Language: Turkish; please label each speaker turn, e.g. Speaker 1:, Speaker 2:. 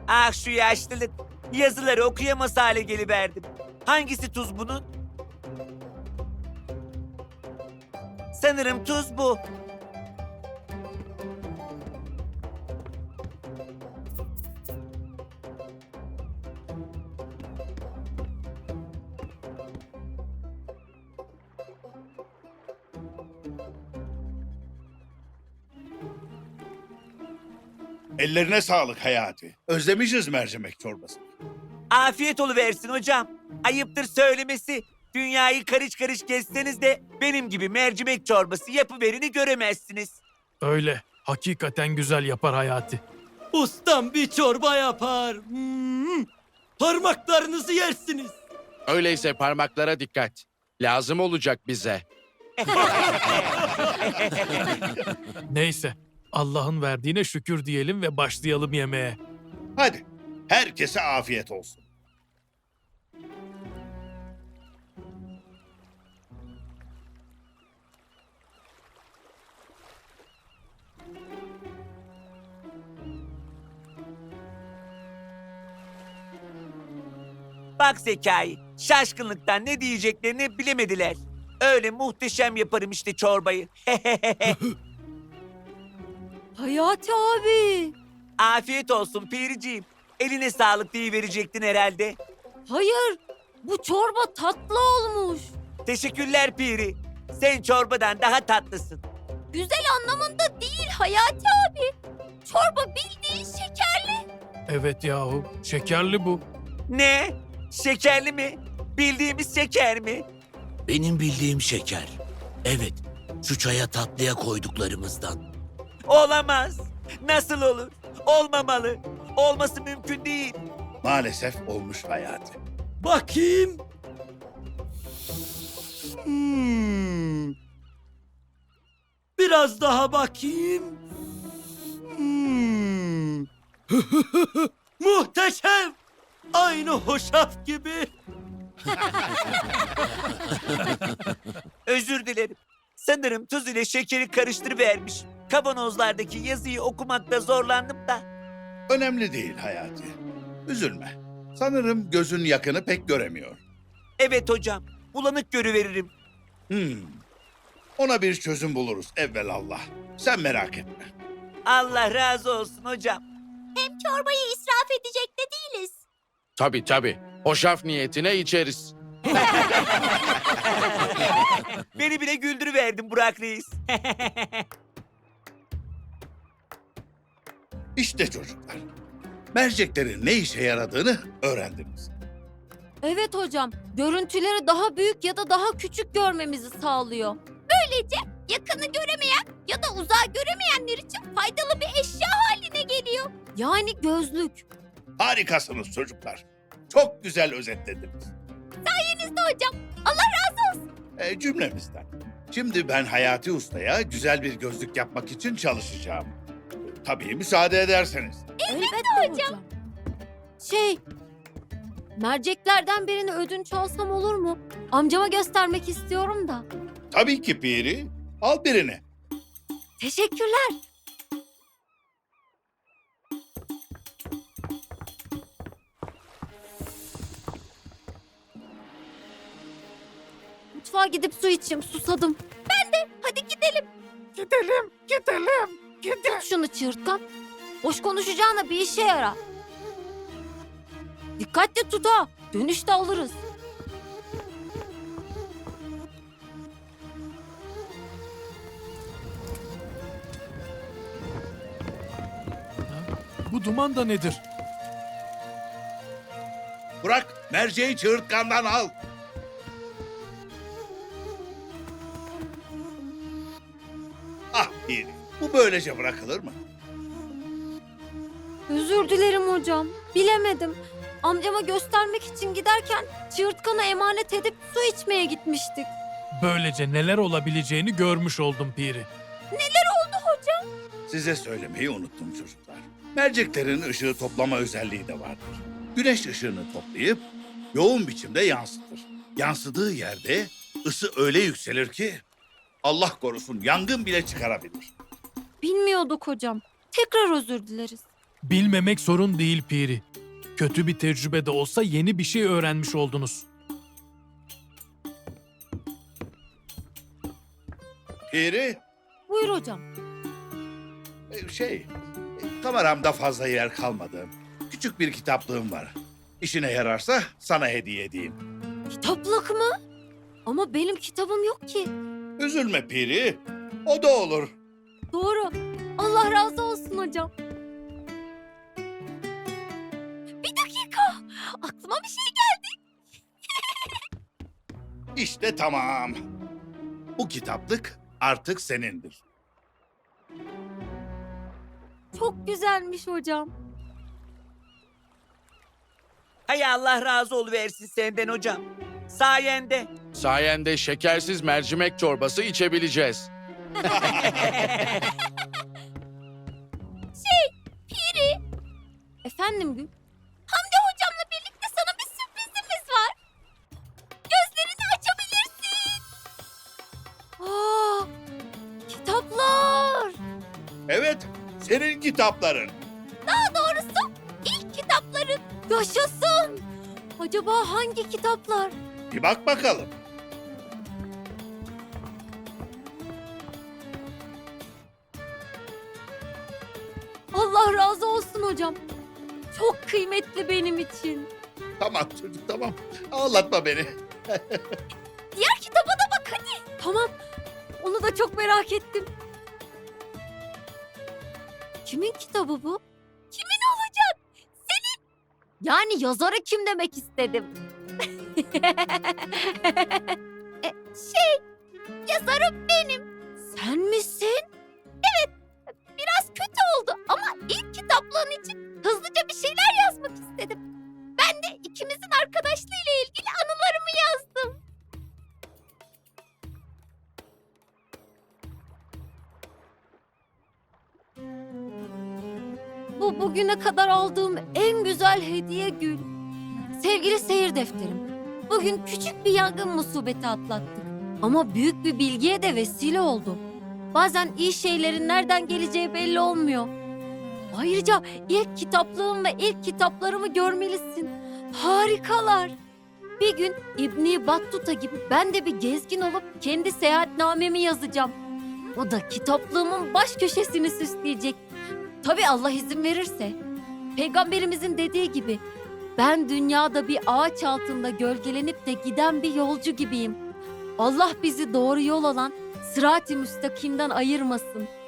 Speaker 1: Ah şu yaşlılık. Yazıları okuyamaz hale geliverdim. Hangisi tuz bunun? Sanırım tuz bu.
Speaker 2: Ellerine sağlık Hayati. Özlemişiz mercimek çorbası.
Speaker 1: Afiyet oluversin hocam. Ayıptır söylemesi. Dünyayı karış karış gezseniz de benim gibi mercimek çorbası yapıverini göremezsiniz.
Speaker 3: Öyle. Hakikaten güzel yapar Hayati.
Speaker 4: Ustam bir çorba yapar. Parmaklarınızı yersiniz.
Speaker 5: Öyleyse parmaklara dikkat. Lazım olacak bize.
Speaker 3: Neyse. Allah'ın verdiğine şükür diyelim ve başlayalım yemeğe.
Speaker 2: Hadi, herkese afiyet olsun.
Speaker 1: Bak Zekai, şaşkınlıktan ne diyeceklerini bilemediler. Öyle muhteşem yaparım işte çorbayı.
Speaker 6: Hayati abi.
Speaker 1: Afiyet olsun Piriciğim. Eline sağlık diye verecektin herhalde.
Speaker 6: Hayır. Bu çorba tatlı olmuş.
Speaker 1: Teşekkürler Piri. Sen çorbadan daha tatlısın.
Speaker 6: Güzel anlamında değil Hayati abi. Çorba bildiğin şekerli.
Speaker 3: Evet yahu. Şekerli bu.
Speaker 1: Ne? Şekerli mi? Bildiğimiz şeker mi?
Speaker 7: Benim bildiğim şeker. Evet, şu çaya tatlıya koyduklarımızdan.
Speaker 1: Olamaz. Nasıl olur? Olmamalı. Olması mümkün değil.
Speaker 2: Maalesef olmuş Hayati.
Speaker 4: Bakayım. Hmm. Biraz daha bakayım. Hmm. Muhteşem. Aynı hoşaf gibi.
Speaker 1: Özür dilerim. Sanırım tuz ile şekeri karıştırıvermiş. Kavanozlardaki yazıyı okumakta zorlandım da.
Speaker 2: Önemli değil Hayati. Üzülme. Sanırım gözün yakını pek göremiyor.
Speaker 1: Evet hocam. Bulanık görüveririm.
Speaker 2: Ona bir çözüm buluruz evvelallah. Sen merak etme.
Speaker 1: Allah razı olsun hocam.
Speaker 6: Hem çorbayı israf edecek de değiliz.
Speaker 5: Tabii tabii. Hoşaf niyetine içeriz.
Speaker 1: Beni bile güldürüverdin Burak Reis.
Speaker 2: İşte çocuklar. Merceklerin ne işe yaradığını öğrendiniz.
Speaker 6: Evet hocam. Görüntüleri daha büyük ya da daha küçük görmemizi sağlıyor. Böylece yakını göremeyen ya da uzağı göremeyenler için faydalı bir eşya haline geliyor. Yani gözlük.
Speaker 2: Harikasınız çocuklar. Çok güzel özetlediniz.
Speaker 6: Sayenizde hocam. Allah razı olsun.
Speaker 2: Cümlemizden. Şimdi ben Hayati Usta'ya güzel bir gözlük yapmak için çalışacağım. Tabii müsaade ederseniz.
Speaker 6: Elbette hocam. Merceklerden birini ödünç alsam olur mu? Amcama göstermek istiyorum da.
Speaker 2: Tabii ki Piri. Al birini.
Speaker 6: Teşekkürler. Mutfağa gidip su içeyim, susadım. Ben de, hadi gidelim. Tut şunu çığırtkan. Boş konuşacağına bir işe yara. Dikkatli tut ha, dönüşte alırız.
Speaker 3: Bu duman da nedir?
Speaker 2: Bırak merceği çığırtkandan al. Ah Piri. Bu böylece bırakılır mı?
Speaker 6: Özür dilerim hocam, bilemedim. Amcama göstermek için giderken çığırtkanı emanet edip su içmeye gitmiştik.
Speaker 3: Böylece neler olabileceğini görmüş oldum Piri.
Speaker 2: Size söylemeyi unuttum çocuklar. Merceklerin ışığı toplama özelliği de vardır. Güneş ışığını toplayıp yoğun biçimde yansıtır. Yansıdığı yerde ısı öyle yükselir ki Allah korusun yangın bile çıkarabilir.
Speaker 6: Bilmiyorduk hocam. Tekrar özür dileriz.
Speaker 3: Bilmemek sorun değil Piri. Kötü bir tecrübe de olsa yeni bir şey öğrenmiş oldunuz.
Speaker 2: Piri,
Speaker 6: Buyur hocam.
Speaker 2: kameramda fazla yer kalmadı. Küçük bir kitaplığım var. İşine yararsa sana hediye edeyim.
Speaker 6: Kitaplık mı? Ama benim kitabım yok ki.
Speaker 2: Üzülme Piri, o da olur.
Speaker 6: Doğru. Allah razı olsun hocam. Bir dakika. Aklıma bir şey geldi.
Speaker 2: İşte tamam. Bu kitaplık artık senindir.
Speaker 6: Çok güzelmiş hocam.
Speaker 1: Hay Allah razı oluversin senden hocam. Sayende.
Speaker 5: Sayende şekersiz mercimek çorbası içebileceğiz.
Speaker 6: Piri. Efendim Gül? Hamdi hocamla birlikte sana bir sürprizimiz var. Gözlerini açabilirsin. Aa, kitaplar.
Speaker 2: Evet, senin kitapların.
Speaker 6: Daha doğrusu ilk kitapların. Yaşasın. Acaba hangi kitaplar?
Speaker 2: Bir bak bakalım.
Speaker 6: Allah razı olsun hocam. Çok kıymetli benim için.
Speaker 2: Tamam çocuk, tamam. Ağlatma beni.
Speaker 6: Diğer kitaba da bak hadi. Tamam. Onu da çok merak ettim. Kimin kitabı bu? Kimin olacak? Senin. Yani yazarı kim demek istedim. Yazarım benim. Sen misin? Evet. Biraz kötü oldu ama ilk kitaplığın için hızlıca bir şeyler yazmak istedim. Ben de ikimizin arkadaşlığıyla ilgili anılarımı yazdım. Bu bugüne kadar aldığım en güzel hediye Gül. Sevgili seyir defterim. Bugün küçük bir yangın musibeti atlattık. Ama büyük bir bilgiye de vesile oldu. Bazen iyi şeylerin nereden geleceği belli olmuyor. Ayrıca ilk kitaplığım ve ilk kitaplarımı görmelisin. Harikalar. Bir gün İbni Battuta gibi ben de bir gezgin olup kendi seyahatnamemi yazacağım. O da kitaplığımın baş köşesini süsleyecek. Tabii Allah izin verirse. Peygamberimizin dediği gibi ben dünyada bir ağaç altında gölgelenip de giden bir yolcu gibiyim. Allah bizi doğru yol olan sırat-ı müstakimden ayırmasın.